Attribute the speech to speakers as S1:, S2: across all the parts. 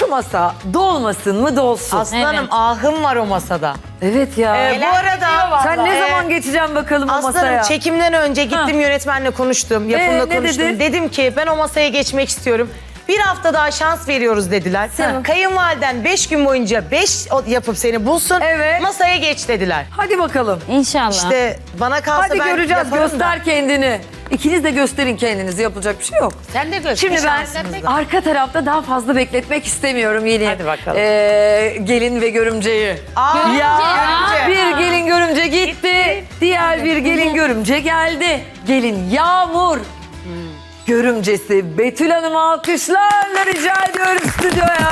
S1: Şu masa dolmasın mı dolsun.
S2: Aslanım ahım var o masada.
S1: Evet ya.
S2: Bu arada
S1: Sen ne zaman geçeceksin bakalım o
S2: Aslanım
S1: masaya?
S2: çekimden önce gittim yönetmenle konuştum. Yapımla
S1: ne
S2: konuştum.
S1: dedi?
S2: Dedim ki ben o masaya geçmek istiyorum. Bir hafta daha şans veriyoruz dediler. Kayınvaliden 5 gün boyunca 5 yapıp seni bulsun.
S1: Evet.
S2: Masaya geç dediler.
S1: Hadi bakalım.
S3: İnşallah.
S2: İşte bana kalsa
S1: Hadi
S2: ben
S1: göreceğiz.
S2: yaparım da.
S1: Göster kendini. İkiniz de gösterin kendinizi. Yapılacak bir şey yok.
S4: Sen de göster.
S1: Şimdi ben arka tarafta daha fazla bekletmek istemiyorum yeni.
S2: Hadi bakalım.
S1: Gelin ve görümceyi.
S2: Görümce.
S1: Bir gelin görümce gitti. Diğer bir gelin görümce geldi. Gelin Yağmur. Görümcesi Betül Hanım'ı alkışlarla rica ediyorum stüdyoya.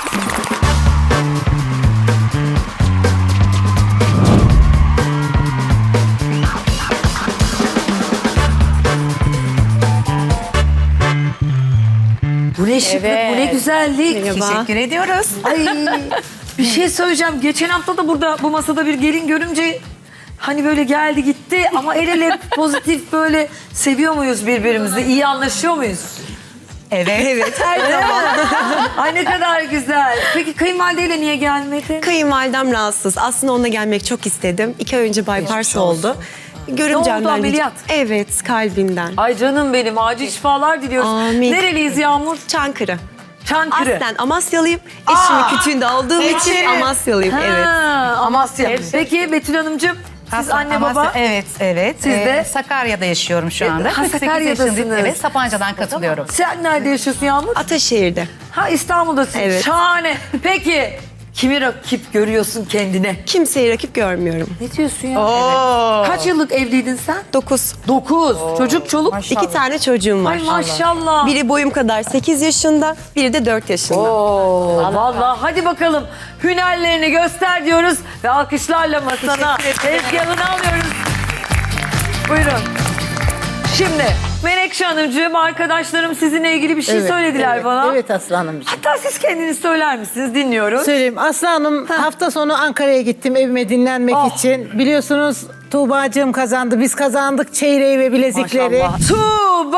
S1: Bu ne şıklık, bu ne güzellik.
S4: Teşekkür ediyoruz.
S1: Ay bir şey söyleyeceğim. Geçen hafta da burada bu masada bir gelin görünce hani böyle geldi gitti ama el ele pozitif böyle seviyor muyuz birbirimizi? İyi anlaşıyor muyuz?
S4: Evet.
S5: Her zaman.
S1: Ay ne kadar güzel. Peki kayınvalideyle niye gelmedin?
S5: Kayınvalidem rahatsız. Aslında onunla gelmek çok istedim. 2 ay önce bypass oldu. Görümcemden
S1: Ne oldu, ameliyat?
S5: Evet, kalbinden.
S1: Ay canım benim acil şifalar diliyoruz.
S5: Amin.
S1: Nereliyiz Yağmur?
S5: Çankırı.
S1: Çankırı.
S5: Aslen Amasyalıyım. Eşimin kütüğünde olduğum için Amasyalıyım.
S1: Ha,
S5: Evet.
S1: Amasya. Peki Betül Hanımcığım siz anne baba?
S4: Evet.
S1: Siz de?
S4: Sakarya'da yaşıyorum şu anda.
S1: Ha,
S4: 48
S1: Sakarya'dasınız.
S4: yaşındayım. Evet, Sapanca'dan katılıyorum.
S1: Sen nerede yaşıyorsun Yağmur?
S5: Ataşehir'de.
S1: Ha İstanbul'dasın.
S5: Evet.
S1: Şahane. Peki kimi rakip görüyorsun kendine?
S5: Kimseyi rakip görmüyorum.
S1: Ne diyorsun ya? Kaç yıllık evliydin sen?
S5: 9.
S1: 9. Çocuk çoluk.
S5: 2 tane çocuğum var.
S1: Ay maşallah.
S5: Biri boyum kadar 8 yaşında, biri de 4 yaşında.
S1: Oo, vallahi hadi bakalım hünerlerini göster diyoruz ve alkışlarla masana tezgahını alıyoruz. Buyurun. Şimdi Menekşe Hanımcığım arkadaşlarım sizinle ilgili bir şey söylediler bana.
S6: Evet Aslı Hanımcığım.
S1: Hatta siz kendiniz söyler misiniz? Dinliyoruz.
S6: Söyleyeyim. Aslı Hanım hafta sonu Ankara'ya gittim evime dinlenmek için. Biliyorsunuz Tuğba'cığım kazandı. Biz kazandık çeyreği ve bilezikleri.
S1: Maşallah. Tuğba!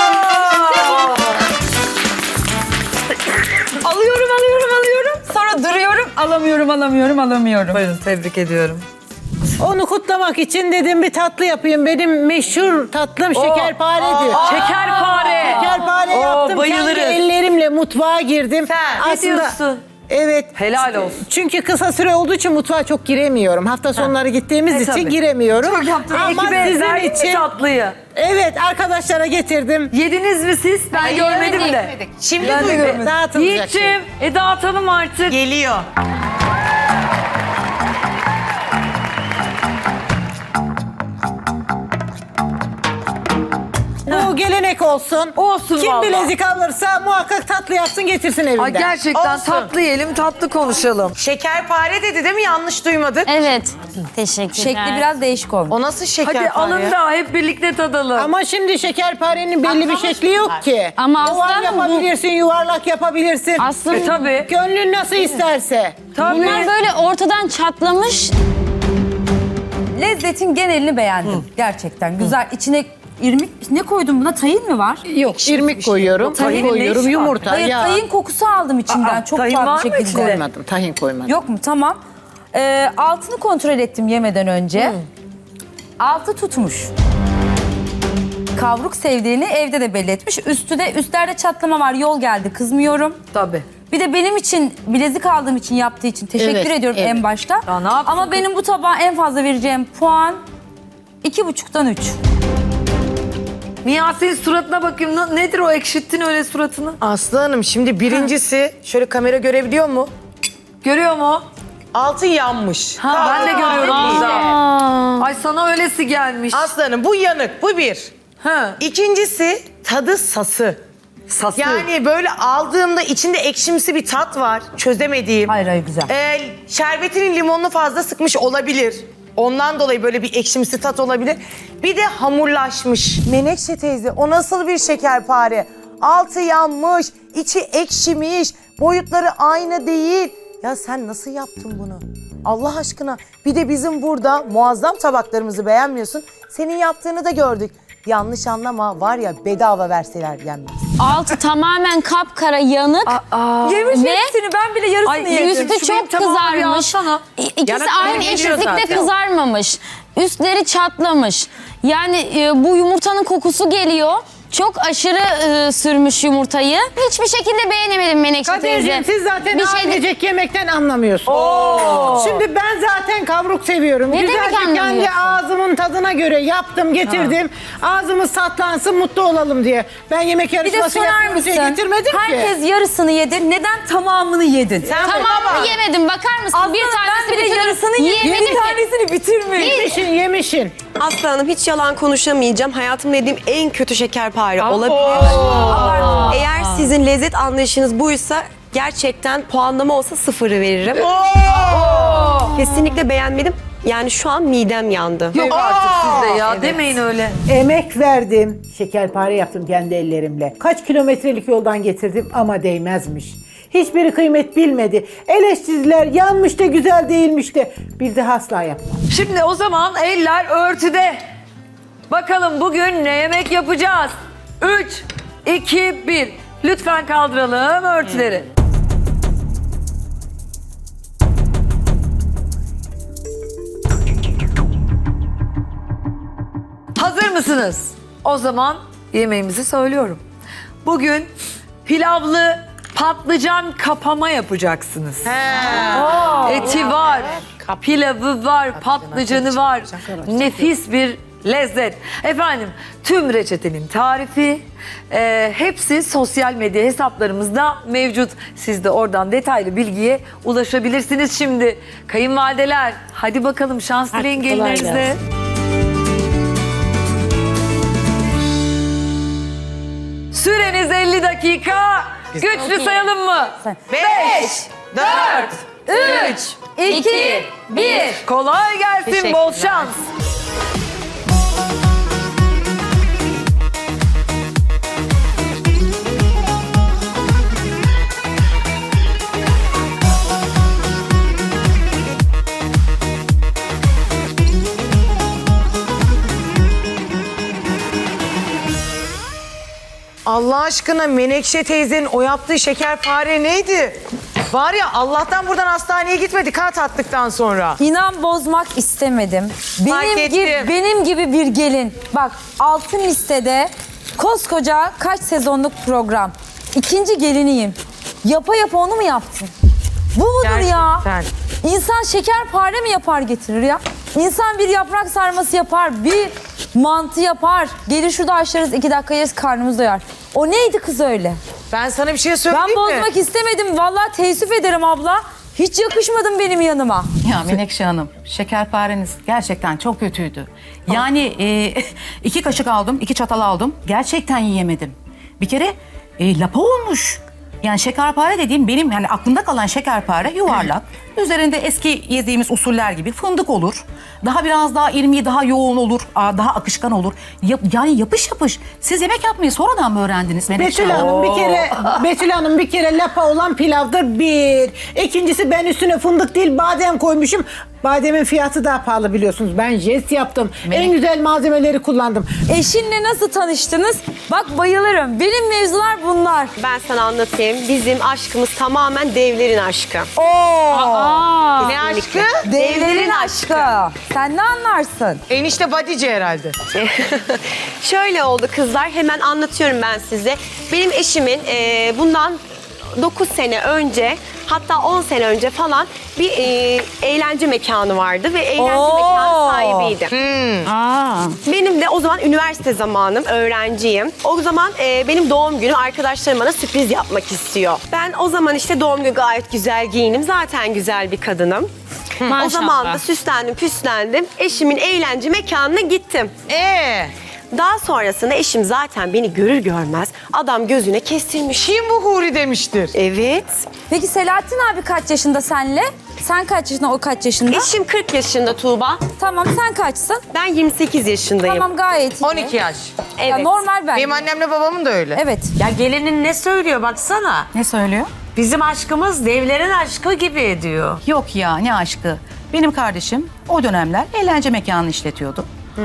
S4: Alıyorum. Sonra duruyorum. Alamıyorum.
S1: Buyurun tebrik ediyorum.
S6: Onu kutlamak için dedim bir tatlı yapayım. Benim meşhur tatlım şekerparedir.
S1: Şekerpare.
S6: Şekerpare
S1: Oo,
S6: yaptım.
S1: bayılırız.
S6: Kendi ellerimle mutfağa girdim.
S1: Ne diyorsun?
S6: Evet.
S1: Helal olsun.
S6: Çünkü kısa süre olduğu için mutfağa çok giremiyorum. Hafta sonları gittiğimiz için
S1: tabii.
S6: giremiyorum.
S1: Çok yaptın.
S6: Ama
S1: Ekibe
S6: sizin
S1: verdin mi
S6: için
S1: tatlıyı?
S6: evet arkadaşlara getirdim.
S1: Yediniz mi siz? Ben görmedim de.
S2: Şimdi
S1: Ben de
S2: duydum.
S1: görmedim.
S6: Dağıtılacak şey.
S1: Yiğit'ciğim dağıtalım artık.
S2: Geliyor.
S6: Bu gelenek olsun.
S1: Olsun
S6: Kim
S1: vallahi.
S6: bilezik alırsa muhakkak tatlı yapsın getirsin evinden.
S1: Ay gerçekten
S2: Olsun.
S1: tatlı yiyelim, tatlı konuşalım.
S2: Şekerpare dedi değil mi? Yanlış duymadık.
S3: Evet. Teşekkürler.
S7: Şekli biraz değişik olmuş.
S2: O nasıl şekerpare?
S1: Hadi alın da hep birlikte tadalım.
S6: Ama şimdi şekerparenin belli bir şekli yok ki.
S3: Ama
S6: Oval
S3: aslanım bu-
S6: yapabilirsin, yuvarlak yapabilirsin.
S3: Aslında
S1: Tabii.
S6: Gönlün nasıl isterse.
S1: Tabii.
S3: bunlar böyle ortadan çatlamış.
S7: Lezzetin genelini beğendim. Gerçekten güzel. İçine irmik ne koydun buna? Tahin mi var?
S6: Yok, irmik koyuyorum,
S1: Tahinin
S6: tahin
S1: ne
S6: koyuyorum,
S1: işi var?
S6: yumurta,
S7: Hayır,
S6: yağ.
S7: tahin kokusu aldım içinden. Çok
S1: tahin
S7: tuhaf
S1: var
S7: bir
S1: mı
S7: şekilde.
S1: içinde?
S6: Koymadım, tahin koymadım.
S7: Yok mu? Tamam. Altını kontrol ettim yemeden önce. Altı tutmuş. Kavruk sevdiğini evde de belli etmiş. Üstlerde çatlama var. Yol geldi. Kızmıyorum.
S1: Tabii.
S7: Bir de benim için bilezik aldığım için yaptığı için teşekkür
S6: Evet,
S7: ediyorum
S6: evet.
S7: en başta.
S1: Ya ne yapsın
S7: Ama
S1: kız?
S7: benim bu tabağa en fazla vereceğim puan 2,5'tan 3.
S1: Niyazi'nin suratına bakayım. Nedir o ekşittin öyle suratını?
S2: Aslı Hanım şimdi birincisi şöyle kamera görebiliyor mu?
S1: Görüyor mu?
S2: Altı yanmış.
S1: Ha, ben de görüyorum burada. Ay sana öylesi gelmiş.
S2: Aslı Hanım bu yanık, bu bir.
S1: Ha.
S2: İkincisi tadı sası.
S1: Sası.
S2: Yani böyle aldığımda içinde ekşimsi bir tat var. Çözemediğim.
S7: Hayır güzel.
S2: Şerbetinin limonunu fazla sıkmış olabilir. Ondan dolayı böyle bir ekşimsi tat olabilir. Bir de hamurlaşmış. Menekşe teyze o nasıl bir şekerpare? Altı yanmış, içi ekşimiş, boyutları aynı değil. Ya sen nasıl yaptın bunu? Allah aşkına. Bir de bizim burada muazzam tabaklarımızı beğenmiyorsun. Senin yaptığını da gördük. yanlış anlama var ya bedava verseler yenmez.
S3: Altı tamamen kapkara yanık.
S7: Yemiş
S3: Ve-
S7: hepsini, ben bile yarısını
S1: Ay,
S7: yedim.
S3: Üstü
S1: Şu benim
S3: çok
S1: tamamı bir
S3: kızarmış.
S1: alsana.
S3: İkisi
S1: Yanık
S3: aynı
S1: geliyor
S3: eşitlikte
S1: zaten.
S3: kızarmamış. Üstleri çatlamış. Yani bu yumurtanın kokusu geliyor. Çok aşırı sürmüş yumurtayı. Hiçbir şekilde beğenemedim Menekşe teyze.
S6: Kadir'cim siz zaten
S3: Bir şey de-
S6: ailecek yemekten anlamıyorsunuz. Şimdi ben zaten kavruk seviyorum.
S3: Ne demek
S6: Güzelce kendi
S3: anlamıyorsun?
S6: ağzımın tadına göre yaptım, getirdim. Ağzımız tatlansın, mutlu olalım diye. Ben yemek
S7: Bir de
S6: yarışması
S7: sorar
S6: yapmak için
S7: mısın?
S6: getirmedim ki.
S7: Herkes yarısını yedi. Neden tamamını yedin?
S3: Tamamını yemedim. Bakar mısın?
S7: Aslında
S3: bir
S7: ben
S3: tanesini
S7: bile yarısını yedim.
S3: Yiyemedim
S7: Bir
S3: ki.
S7: tanesini bitirmiş.
S6: Yemişin.
S5: Aslı Hanım hiç yalan konuşamayacağım. Hayatımda yediğim en kötü şekerpare olabilir. Eğer sizin lezzet anlayışınız buysa gerçekten puanlama olsa 0'ı veririm. Kesinlikle beğenmedim. Yani şu an midem yandı.
S1: Yok artık sizde ya. Demeyin öyle.
S6: Emek verdim. Şekerpare yaptım kendi ellerimle. Kaç kilometrelik yoldan getirdim ama değmezmiş. Hiçbiri kıymet bilmedi. Eleştirdiler, yanmış da güzel değilmiş de. Bir daha asla yapmam.
S1: Şimdi o zaman eller örtüde. Bakalım bugün ne yemek yapacağız? 3, 2, 1. Lütfen kaldıralım örtüleri. Hazır mısınız? O zaman yemeğimizi söylüyorum. Bugün pilavlı patlıcan kapama yapacaksınız. Eti var, pilavı var, patlıcanı var. Nefis bir lezzet. Efendim tüm reçetenin tarifi hepsi sosyal medya hesaplarımızda mevcut. Siz de oradan detaylı bilgiye ulaşabilirsiniz. Şimdi kayınvalideler hadi bakalım şans dileyin gelinlerinize. Süreniz 50 dakika. Güçlü sayalım mı?
S2: 5, 4,
S7: 3, 2, 1.
S1: Kolay gelsin, bol şans.
S2: Allah aşkına Menekşe teyzenin o yaptığı şekerpare neydi? Var ya Allah'tan buradan hastaneye gitmedik ha tattıktan sonra.
S7: İnan bozmak istemedim.
S2: Fark ettim.
S7: Benim gibi bir gelin. Bak altın listede koskoca kaç sezonluk program. İkinci geliniyim. Yapa yapa onu mu yaptın? Bu mudur ya?
S2: Gerçekten.
S7: İnsan şekerpare mi yapar getirir ya? İnsan bir yaprak sarması yapar, bir mantı yapar. Gelir şurada açlarız 2 dakika yeriz karnımız doyar. O neydi kız öyle?
S2: Ben sana bir şey
S7: Ben
S2: söyleyeyim mi?
S7: bozmak istemedim. Vallahi teessüf ederim abla. Hiç yakışmadın benim yanıma.
S4: Ya Menekşe Hanım, şekerpareniz gerçekten çok kötüydü. Yani 2 kaşık aldım, 2 çatal aldım. Gerçekten yiyemedim. Bir kere lapa olmuş. Yani şekerpare dediğim benim yani aklımda kalan şekerpare yuvarlak. Üzerinde eski yediğimiz usuller gibi fındık olur. Daha biraz daha irmiği daha yoğun olur, daha akışkan olur. Yani yapış yapış. Siz yemek yapmayı sonradan mı öğrendiniz Menekşe
S6: Betül
S4: Hanım?
S6: Hanım bir kere lapa olan pilavdır bir. İkincisi ben üstüne fındık değil badem koymuşum. Bademin fiyatı daha pahalı biliyorsunuz. Ben jest yaptım. En güzel malzemeleri kullandım.
S7: Eşinle nasıl tanıştınız? Bak bayılırım. Benim mevzular bunlar.
S5: Ben sana anlatayım. Bizim aşkımız tamamen devlerin aşkı.
S2: Ne aşkı?
S7: Devlerin aşkı. Sen ne anlarsın?
S2: Enişte badice herhalde.
S5: Şöyle oldu kızlar, hemen anlatıyorum ben size. Benim eşimin bundan 9 sene önce, hatta 10 sene önce falan bir eğlence mekanı vardı ve eğlence mekanı sahibiydi. Benim de o zaman üniversite zamanım, öğrenciyim. O zaman benim doğum günüm, arkadaşlarım bana sürpriz yapmak istiyor. Ben o zaman işte doğum günü gayet güzel giyinim, zaten güzel bir kadınım. O zaman da süslendim, püslendim. Eşimin eğlence mekanına gittim. Daha sonrasında eşim zaten beni görür görmez adam gözüne kestirmiş.
S2: Kim bu Huri demiştir.
S5: Evet.
S7: Peki Selahattin abi kaç yaşında senle? Sen kaç yaşında, o kaç yaşında?
S5: Eşim 40 yaşında Tuğba.
S7: Tamam, sen kaçsın?
S5: Ben 28 yaşındayım.
S7: Tamam, gayet iyi.
S2: 12 yaş.
S7: Ya
S5: Evet.
S7: normal bence.
S2: Benim annemle babamın da öyle.
S7: Evet.
S8: Ya gelinin ne söylüyor baksana.
S4: Ne söylüyor?
S8: Bizim aşkımız devlerin aşkı gibi diyor.
S4: Yok ya ne aşkı. Benim kardeşim o dönemler eğlence mekanı işletiyordu.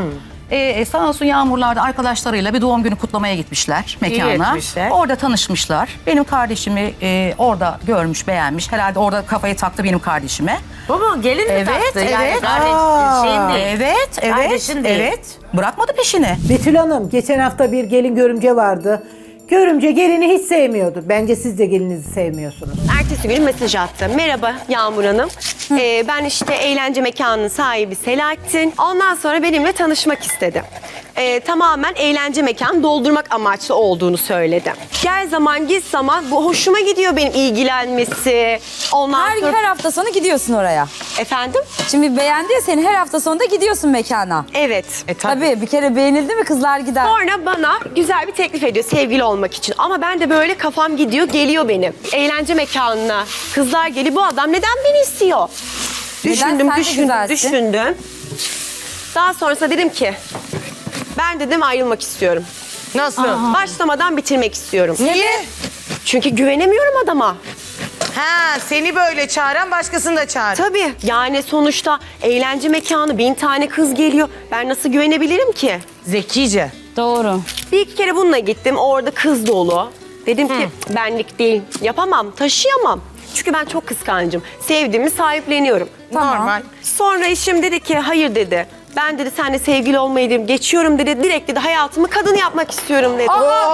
S4: Sağ olsun Yağmurlar'da arkadaşlarıyla bir doğum günü kutlamaya gitmişler mekana.
S8: etmişler.
S4: Orada tanışmışlar. Benim kardeşimi orada görmüş, beğenmiş. Herhalde orada kafayı taktı benim kardeşime.
S8: Bu mu? Gelin mi
S4: Evet,
S8: taktı? Yani
S4: evet.
S8: şeyin değil.
S4: Evet,
S8: Kardeşin değil.
S4: evet. Bırakmadı peşini.
S6: Betül Hanım geçen hafta bir gelin görümce vardı. Görümce gelini hiç sevmiyordu. Bence siz de gelinizi sevmiyorsunuz.
S5: Ertesi gün mesaj attı. Merhaba Yağmur Hanım. Ben işte eğlence mekanının sahibi Selahattin. Ondan sonra benimle tanışmak istedi. Tamamen eğlence mekanı doldurmak amaçlı olduğunu söyledi. Gel zaman git zaman bu hoşuma gidiyor benim ilgilenmesi. Ondan sonra...
S7: Her hafta sonu gidiyorsun oraya.
S5: Efendim?
S7: Şimdi beğendi ya seni, her hafta sonunda gidiyorsun mekana.
S5: Evet.
S7: Tabii bir kere beğenildi mi kızlar gider.
S5: Sonra bana güzel bir teklif ediyor sevgili olmak için. Ama ben de böyle kafam gidiyor, geliyor benim. Eğlence mekanına kızlar geliyor. Bu adam neden beni istiyor?
S7: Neden? Sen de güzelsin.
S5: Düşündüm. Daha sonrasında dedim ki, ben dedim ayrılmak istiyorum.
S2: Nasıl?
S5: Başlamadan bitirmek istiyorum.
S2: Niye?
S5: Çünkü güvenemiyorum adama.
S2: Ha, seni böyle çağıran başkasını da çağır.
S5: Tabii yani sonuçta eğlence mekanı 1000 tane kız geliyor. Ben nasıl güvenebilirim ki?
S2: Zekice.
S3: Doğru.
S5: Bir iki kere bununla gittim. Orada kız dolu. Dedim ki benlik değil. Yapamam, taşıyamam. Çünkü ben çok kıskancım. Sevdiğimi sahipleniyorum.
S2: Normal.
S5: Sonra eşim dedi ki hayır dedi. Ben dedi seninle sevgili olmayı dedim, geçiyorum dedi. Direkt dedi hayatımı kadın yapmak istiyorum dedi.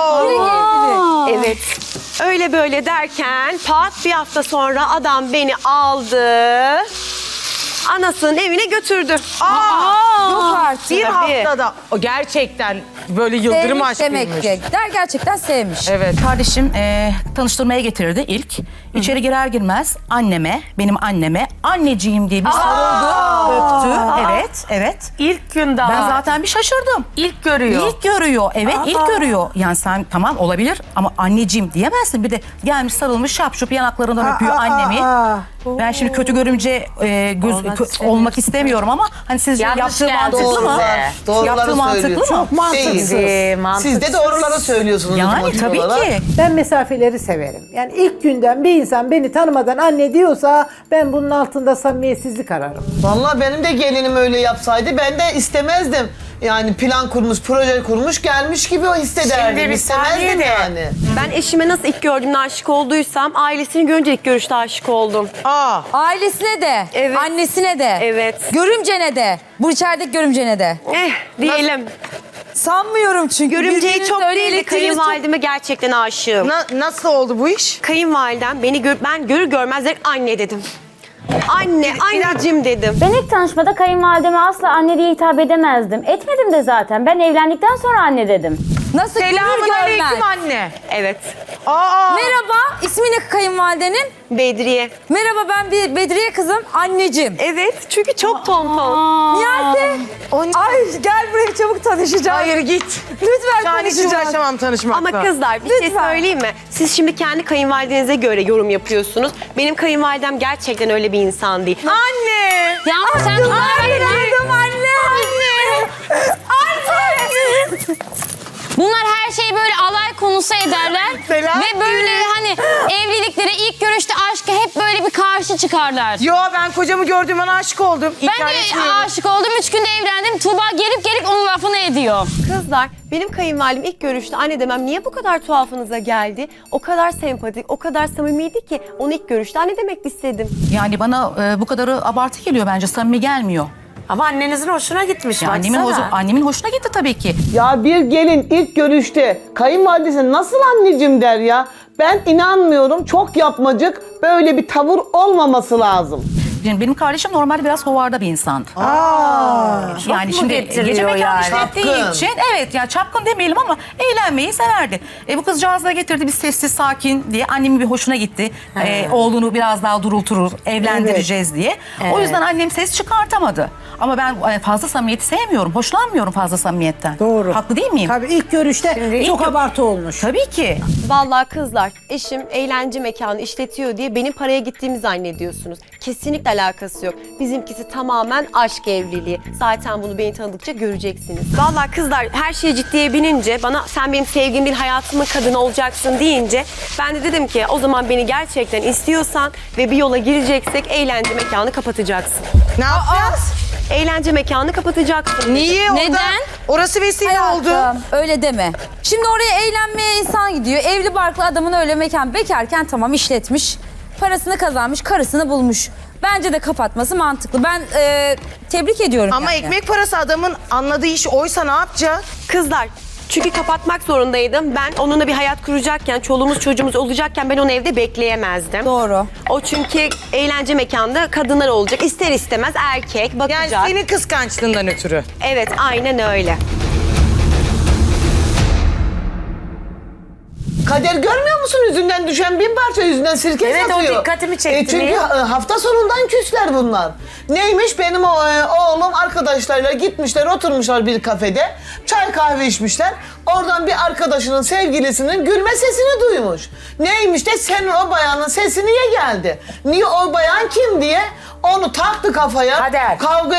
S5: Evet. Öyle böyle derken pat bir hafta sonra adam beni aldı. Anasının evine götürdü.
S7: Yok artık.
S2: Bir
S5: Tabii.
S2: haftada. O gerçekten böyle yıldırım
S7: Sevmiş
S2: aşkıymış.
S7: demek ki. Der gerçekten sevmiş.
S2: Evet.
S4: Kardeşim tanıştırmaya getirdi ilk. İçeri girer girmez benim anneme anneciğim diye bir sarıldı, öptü. Evet, evet.
S8: İlk gün daha.
S4: Ben zaten bir şaşırdım.
S8: İlk görüyor.
S4: İlk görüyor, evet ilk görüyor. Yani sen tamam olabilir ama anneciğim diyemezsin. Bir de gelmiş sarılmış şapşup yanaklarından öpüyor annemi. Ben şimdi kötü görümce olmak istemiyorum ama hani sizce
S8: Yanlış
S4: yaptığı
S8: geldi
S4: mantıklı mı?
S8: size.
S9: Doğruları
S4: Yaptığı mantıklı
S9: söylüyor.
S4: mı?
S9: Çok mantıksız. Siz de doğruları söylüyorsunuz.
S4: Yani
S9: motiv
S4: tabii
S9: olarak.
S4: ki.
S6: Ben mesafeleri severim. Yani ilk günden bir insan beni tanımadan anne diyorsa ben bunun altında samimiyetsizlik ararım.
S9: Vallahi benim de gelinim öyle yapsaydı ben de istemezdim. Yani plan kurmuş, proje kurmuş, gelmiş gibi o hissederdim.
S8: Şimdi bir
S9: İstemezdim
S8: saniye de.
S9: yani.
S5: Ben eşime nasıl ilk gördüğümde aşık olduysam ailesini görünce ilk görüşte aşık oldum.
S7: Ailesine de,
S5: Evet.
S7: annesine de,
S5: Evet.
S7: görümcene de, bu içerideki görümcene de.
S5: Diyelim.
S7: Sanmıyorum çünkü.
S5: Görümceyi
S7: Birbirinizle
S5: çok
S7: öyle
S5: değil de
S7: elektriğiniz çok-
S5: kayınvalideme gerçekten aşığım.
S2: Nasıl oldu bu iş?
S5: Kayınvalidem beni ben görür görmez direkt anne dedim. Anne, anneciğim dedim.
S10: Ben ilk tanışmada kayınvalideme asla anne diye hitap edemezdim. Etmedim de zaten. Ben evlendikten sonra anne dedim.
S7: Nasıl görür
S2: Selamun
S7: görmez.
S2: aleyküm anne.
S5: Evet.
S7: Merhaba, ismi ne kayınvalidenin?
S5: Bedriye.
S7: Merhaba ben bir Bedriye kızım, anneciğim.
S5: Evet çünkü çok tonton.
S7: Niyase. Ay gel buraya çabuk tanışacağım.
S2: Hayır git.
S7: Lütfen
S2: Şu an hiç
S7: tanışacağım.
S2: uğraşamam tanışmakla.
S5: Ama kızlar bir şey
S7: Lütfen.
S5: söyleyeyim mi? Siz şimdi kendi kayınvalidenize göre yorum yapıyorsunuz. Benim kayınvalidem gerçekten öyle bir insan değil.
S2: Anne.
S3: Yağmur sen kızlara
S7: Anne, anne.
S3: Bunlar her şeyi böyle alay konusu ederler.
S2: Selahattin.
S3: Ve böyle hani evliliklere ilk görüşte aşka hep böyle bir karşı çıkarlar.
S2: Yo ben kocamı gördüğüm an aşık oldum.
S3: Ben
S2: İnkar
S3: de
S2: etmiyorum.
S3: aşık oldum. 3 günde evlendim. Tuğba gelip onun lafını ediyor.
S5: Kızlar benim kayınvalidem ilk görüşte anne demem niye bu kadar tuhafınıza geldi? O kadar sempatik, o kadar samimiydi ki onu ilk görüşte anne demek istedim.
S4: Yani bana bu kadarı abartı geliyor bence, samimi gelmiyor.
S8: Ama annenizin hoşuna gitmiş.
S4: Ya annemin hoşuna gitti tabii ki.
S9: Ya bir gelin ilk görüşte kayınvalidesine nasıl anneciğim der ya? Ben inanmıyorum. Çok yapmacık. Böyle bir tavır olmaması lazım.
S4: Benim kardeşim normalde biraz hovarda bir insan. Yani şimdi
S8: getiriyor
S4: gece mekanı
S8: yani?
S4: işlettiği
S9: Çapkın.
S4: için evet ya çapkın demeyelim ama eğlenmeyi severdi. Bu kızcağız da getirdi bir sessiz sakin diye, annemin bir hoşuna gitti. Oğlunu biraz daha durulturur, evlendireceğiz diye. O yüzden annem ses çıkartamadı. Ama ben fazla samimiyeti sevmiyorum, hoşlanmıyorum fazla samimiyetten.
S6: Doğru.
S4: Haklı değil miyim?
S6: Tabii ilk görüşte çok abartı olmuş.
S4: Tabii ki.
S5: Vallahi kızlar eşim eğlence mekanı işletiyor diye benim paraya gittiğimi zannediyorsunuz. Kesinlikle alakası yok. Bizimkisi tamamen aşk evliliği. Zaten bunu beni tanıdıkça göreceksiniz. Vallahi kızlar her şeyi ciddiye binince bana sen benim sevgilim değil hayatımın kadını olacaksın deyince ben de dedim ki o zaman beni gerçekten istiyorsan ve bir yola gireceksek eğlence mekanı kapatacaksın.
S2: Ne yapacağız?
S5: Eğlence mekanı kapatacaksın.
S2: Niye?
S3: Neden?
S2: Orası vesile oldu.
S7: Hayatım, öyle deme. Şimdi oraya eğlenmeye insan gidiyor. Evli barklı adamın öyle mekan bekarken tamam işletmiş. Parasını kazanmış, karısını bulmuş. Bence de kapatması mantıklı. Ben tebrik ediyorum
S2: Ama
S7: yani.
S2: ekmek parası adamın anladığı iş oysa ne yapacak?
S5: Kızlar çünkü kapatmak zorundaydım. Ben onunla bir hayat kuracakken, çoluğumuz çocuğumuz olacakken ben onu evde bekleyemezdim.
S7: Doğru.
S5: O çünkü eğlence mekanında kadınlar olacak. İster istemez erkek bakacak.
S2: Yani senin kıskançlığından ötürü.
S5: Evet aynen öyle.
S9: Kader görmüyor musun yüzünden düşen bin parça yüzünden sirke
S8: Evet, o
S9: satıyor.
S8: dikkatimi çekti.
S9: Çünkü
S8: Niye?
S9: hafta sonundan küsler bunlar. Neymiş benim oğlum arkadaşlarıyla gitmişler oturmuşlar bir kafede. Çay kahve içmişler. Oradan bir arkadaşının sevgilisinin gülme sesini duymuş. Neymiş de senin o bayanın sesi niye geldi? Niye o bayan kim diye onu taktı kafaya.
S8: Kader.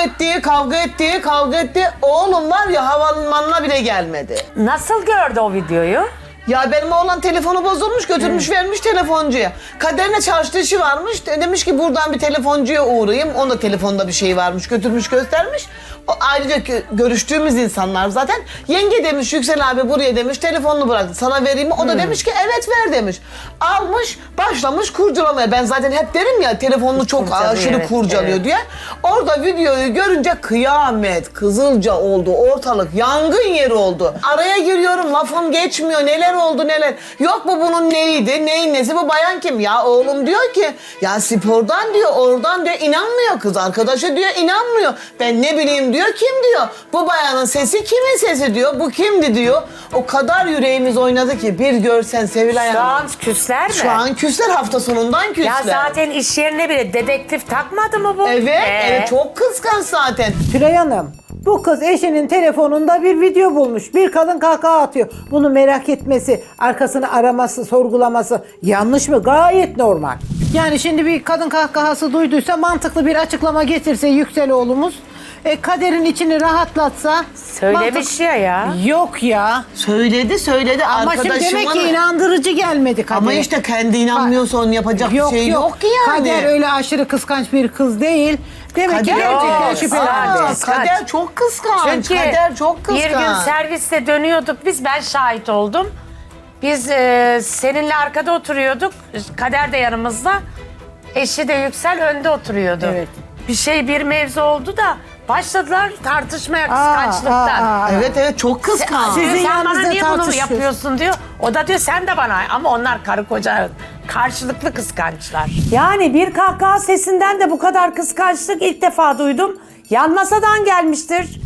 S9: Kavga etti. Oğlum var ya havalimanına bile gelmedi.
S8: Nasıl gördü o videoyu?
S9: Ya benim oğlan telefonu bozulmuş, götürmüş vermiş telefoncuya. Kaderine çarşıda işi varmış. Demiş ki buradan bir telefoncuya uğrayayım. Onun da telefonda bir şey varmış, götürmüş göstermiş. Ayrıca görüştüğümüz insanlar zaten. Yenge demiş Yüksel abi buraya demiş telefonunu bıraktı. Sana vereyim mi? O da demiş ki evet ver demiş. Almış başlamış kurcalamaya. Ben zaten hep derim ya telefonunu çok
S8: Kurcalıyor,
S9: aşırı
S8: evet,
S9: kurcalıyor
S8: evet.
S9: diye. Orada videoyu görünce kıyamet, kızılca oldu. Ortalık yangın yeri oldu. Araya giriyorum lafım geçmiyor. Neler oldu neler. Yok bu bunun neydi? Neyin nesi? Bu bayan kim? Ya oğlum diyor ki ya spordan diyor oradan diyor inanmıyor kız. Arkadaşı diyor inanmıyor. Ben ne bileyim diyor kim diyor. Bu bayanın sesi kimin sesi diyor. Bu kimdi diyor. O kadar yüreğimiz oynadı ki bir görsen Sevilay
S8: Şu
S9: Hanım.
S8: an küsler mi?
S9: Şu an küsler hafta sonundan küsler.
S8: Ya zaten iş yerine bile dedektif takmadı mı bu?
S9: Evet çok kıskanç zaten.
S6: Tülay Hanım, bu kız eşinin telefonunda bir video bulmuş. Bir kadın kahkaha atıyor. Bunu merak etmesi, arkasını araması, sorgulaması yanlış mı? Gayet normal. Yani şimdi bir kadın kahkahası duyduysa mantıklı bir açıklama getirse Yüksel oğlumuz. Kaderin içini rahatlatsa.
S8: Söylemiş ya.
S6: Yok ya.
S9: Söyledi.
S6: Ama şimdi demek ki inandırıcı gelmedi Kader.
S9: Ama işte kendi inanmıyorsa onun yapacak bir şey yok ki yani.
S6: Kader öyle aşırı kıskanç bir kız değil. Demek ki
S9: Kader
S6: gerçekten
S8: yok,
S6: şüphelendi.
S8: sadece.
S9: Kader çok kıskanç.
S8: Çünkü
S9: Kader çok kıskanç.
S8: bir gün serviste dönüyorduk biz, ben şahit oldum. Biz seninle arkada oturuyorduk, Kader de yanımızda. Eşi de Yüksel önde oturuyordu.
S6: Evet.
S8: Bir mevzu oldu da başladılar tartışmaya kıskançlıktan.
S9: Evet çok kıskanç.
S8: Diyor,
S6: Sizin
S8: sen bana
S6: yanınızda
S8: niye bunu
S6: tartışıyorsun.
S8: yapıyorsun diyor. O da diyor sen de bana, ama onlar karı koca karşılıklı kıskançlar.
S11: Yani bir kahkaha sesinden de bu kadar kıskançlık ilk defa duydum. Yan masadan gelmiştir.